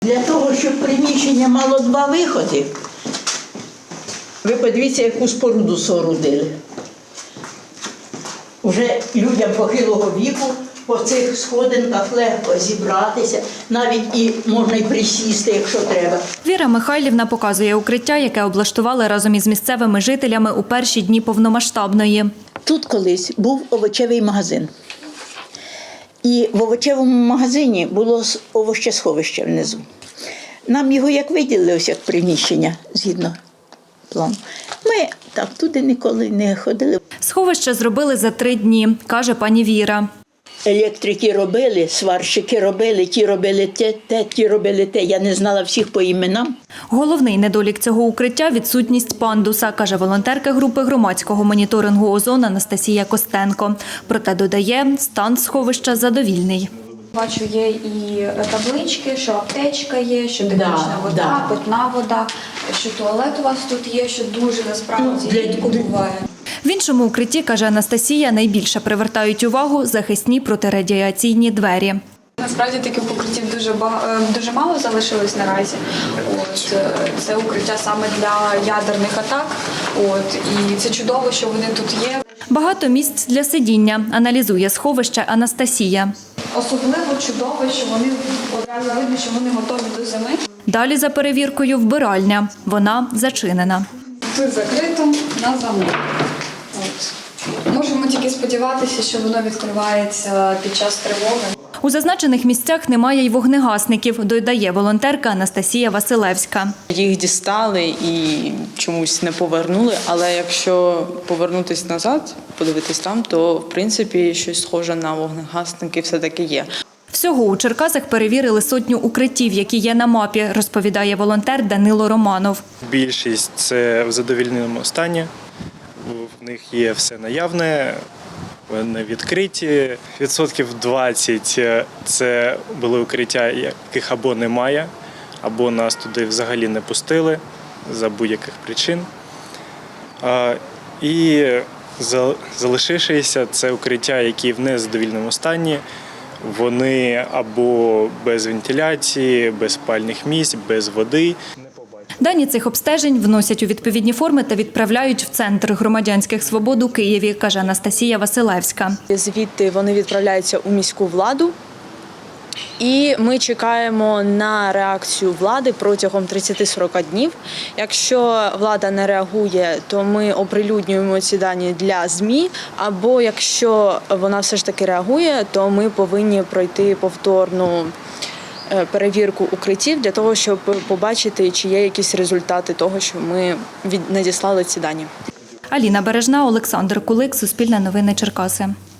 Для того, щоб приміщення мало два виходи, ви подивіться, яку споруду соорудили. Уже людям похилого віку по цих сходинках легко зібратися, навіть і можна й присісти, якщо треба. Віра Михайлівна показує укриття, яке облаштували разом із місцевими жителями у перші дні повномасштабної. Тут колись був овочевий магазин. І в овочевому магазині було овощесховище внизу. Нам його як виділили, ось як приміщення, згідно плану. Ми так туди ніколи не ходили. Сховище зробили за 3 дні, каже пані Віра. Електрики робили, сварщики робили, ті робили те, ті робили те. Я не знала всіх по іменам. Головний недолік цього укриття – відсутність пандуса, каже волонтерка групи громадського моніторингу «Озон» Анастасія Костенко. Проте додає, стан сховища задовільний. Бачу, є і таблички, що аптечка є, що технічна вода, питна вода, що туалет у вас тут є, що дуже насправді рідко буває. В іншому укритті, каже Анастасія, найбільше привертають увагу захисні протирадіаційні двері. Насправді таких укриттів дуже мало залишилось наразі. Це укриття саме для ядерних атак. І це чудово, що вони тут є. Багато місць для сидіння, аналізує сховище Анастасія. Особливо чудово, що вони одразу видно, що вони готові до зими. Далі за перевіркою вбиральня. Вона зачинена. Тут закрито на замок. Можемо тільки сподіватися, що воно відкривається під час тривоги. У зазначених місцях немає й вогнегасників, додає волонтерка Анастасія Василевська. Їх дістали і чомусь не повернули, але якщо повернутися назад, подивитись там, то в принципі щось схоже на вогнегасники все-таки є. Всього у Черкасах перевірили 100 укриттів, які є на мапі, розповідає волонтер Данило Романов. Більшість – це в задовільному стані, в них є все наявне, вони відкриті. 20% – це були укриття, яких або немає, або нас туди взагалі не пустили за будь-яких причин. І залишившися – це укриття, які в незадовільному стані. Вони або без вентиляції, без спальних місць, без води. Дані цих обстежень вносять у відповідні форми та відправляють в Центр громадянських свобод у Києві, каже Анастасія Василевська. Звідти вони відправляються у міську владу. І ми чекаємо на реакцію влади протягом 30-40 днів. Якщо влада не реагує, то ми оприлюднюємо ці дані для ЗМІ. Або якщо вона все ж таки реагує, то ми повинні пройти повторну перевірку укриттів для того, щоб побачити, чи є якісь результати того, що ми надіслали ці дані. Аліна Бережна, Олександр Кулик, Суспільне новини Черкаси.